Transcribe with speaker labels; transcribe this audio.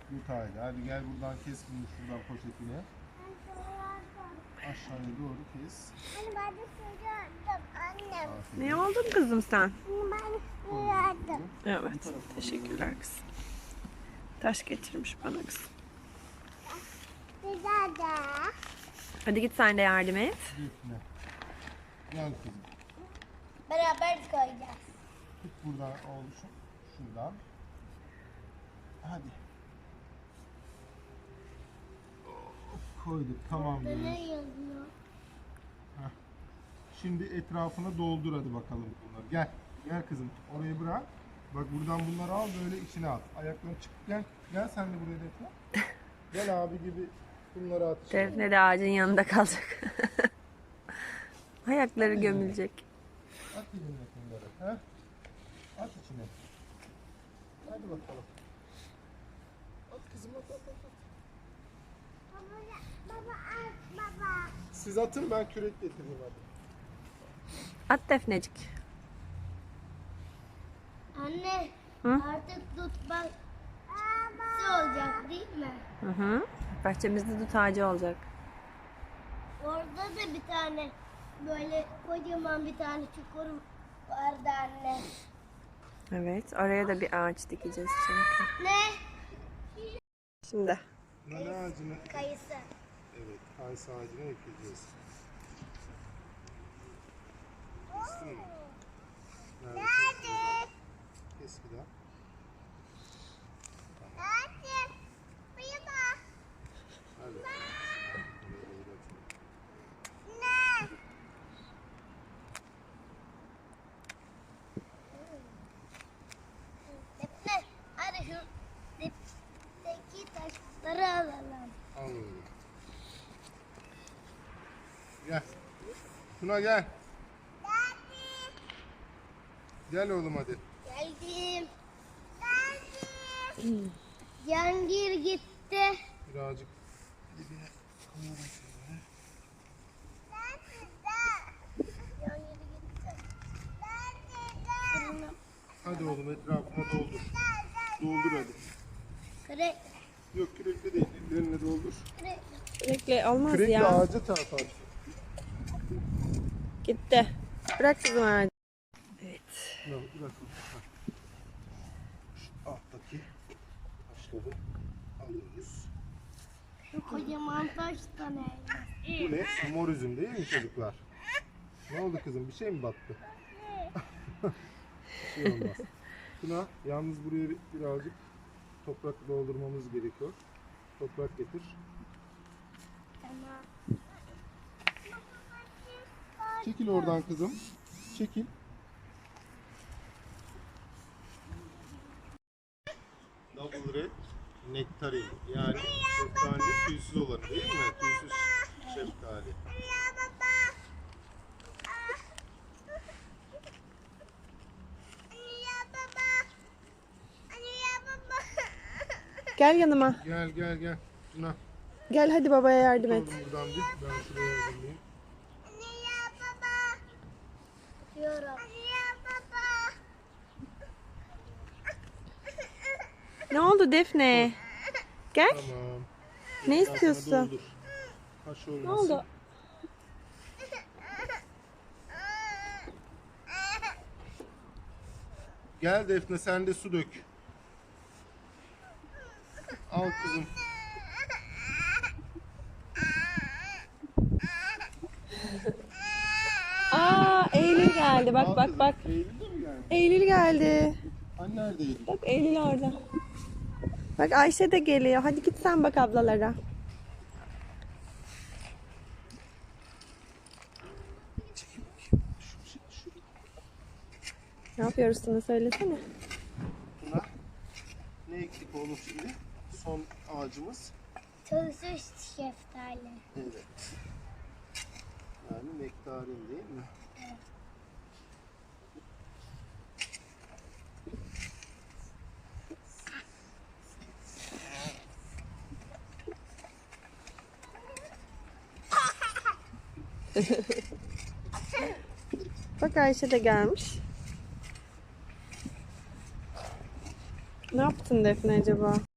Speaker 1: Dut ağacı. Hadi gel buradan kes bunu şuradan poşetine. Aşağıya doğru kes.
Speaker 2: Anne ben de sürüyordum annem.
Speaker 1: Aferin.
Speaker 3: Ne oldun kızım sen?
Speaker 2: Anne ben de sürüyordum.
Speaker 3: Evet. Teşekkürler kızım. Taş getirmiş bana kızım.
Speaker 2: Güzel de.
Speaker 3: Hadi git sen de yardım et.
Speaker 1: Defne. Gel kızım.
Speaker 2: Beraber koyacağız.
Speaker 1: Tut buradan oğluşum. Şuradan. Hadi. Koyduk. Tamam.
Speaker 2: Ne yazıyor?
Speaker 1: Şimdi etrafına doldur hadi bakalım bunları. Gel. Gel kızım. Orayı bırak. Bak buradan bunları al böyle içine at. Ayakları çık. Gel. Gel sen de buraya Defne. Gel abi gibi bunları at. içine.
Speaker 3: Defne de ağacın yanında kalacak. Ayakları gömülecek.
Speaker 1: At eline bunları. He? At içine. Hadi bakalım. At kızım at at at.
Speaker 2: Baba at baba.
Speaker 1: Siz atın ben kürek getireyim hadi.
Speaker 3: At Defnecik.
Speaker 2: Anne
Speaker 3: Hı?
Speaker 2: artık tut bak. Olacak değil mi?
Speaker 3: Hı hı. Bahçemizde dut ağacı olacak.
Speaker 2: Orada da bir tane böyle kocaman bir tane çukur vardı anne.
Speaker 3: Evet. Oraya da bir ağaç dikeceğiz çünkü.
Speaker 2: Ne?
Speaker 3: Şimdi.
Speaker 1: Nane ağacını,
Speaker 2: Kayısı.
Speaker 1: evet, kayısı ağacını ekeceğiz. Kestin mi? Nerede? Kes bir daha.
Speaker 2: Hadi. Buyurma.
Speaker 1: Hadi.
Speaker 2: Ne? Defne, hadi şu dipteki taşları alalım.
Speaker 1: Al oğlum. Gel. Tuna gel. Gel oğlum hadi.
Speaker 2: Geldim. Geldim. Cihangir gitti.
Speaker 1: Birazcık dibine koyalım şöyle.
Speaker 2: Cihangir gitti.
Speaker 1: Hadi oğlum etrafına doldur. Doldur hadi.
Speaker 2: Kırık.
Speaker 1: Yok kürekle değil, ellerine doldur.
Speaker 2: Kırık.
Speaker 3: Sürekli olmaz
Speaker 1: Kürekle
Speaker 3: ya.
Speaker 1: ağaca çarpar.
Speaker 3: Gitti. Bırak kızım ağacı. Evet.
Speaker 1: Bırak. Şu alttaki taşları alıyoruz.
Speaker 2: Şu kocaman taş da ne?
Speaker 1: Bu ne? Mor üzüm değil mi çocuklar? Ne oldu kızım? Bir şey mi battı? Bir şey olmaz. Tuna, yalnız buraya birazcık toprak doldurmamız gerekiyor. Toprak getir.
Speaker 2: Tamam.
Speaker 1: Çekil oradan kızım. Çekil. Double red nektarin. Yani şeftali tüysüz olanı değil mi? Tüysüz şeftali.
Speaker 3: Gel yanıma.
Speaker 1: Gel. Tuna.
Speaker 3: Gel hadi babaya yardım et.
Speaker 1: Oğlum buradan bir. Ben şuraya yazayım.
Speaker 2: Diyorum.
Speaker 3: Ne oldu Defne? Gel.
Speaker 1: Tamam.
Speaker 3: Ne
Speaker 1: Etrafına
Speaker 3: istiyorsun?
Speaker 1: doldur. Taş olmasın.
Speaker 3: Ne oldu?
Speaker 1: Gel Defne sen de su dök. Al kızım.
Speaker 3: Aa Eylül geldi. Bak
Speaker 1: Al
Speaker 3: bak
Speaker 1: kızım.
Speaker 3: bak.
Speaker 1: Eylül de mi geldi?
Speaker 3: Eylül geldi.
Speaker 1: Hani nerede Eylül?
Speaker 3: Bak Eylül orada. Bak Ayşe de geliyor. Hadi git sen bak ablalara. Ne yapıyoruz sana söylesene.
Speaker 1: Buna ne ektik oğlum şimdi? Son ağacımız.
Speaker 2: Tuzsuz şeftali.
Speaker 1: Evet. Yani nektarin değil mi?
Speaker 3: Bak Ayşe de gelmiş. Ne yaptın Defne acaba?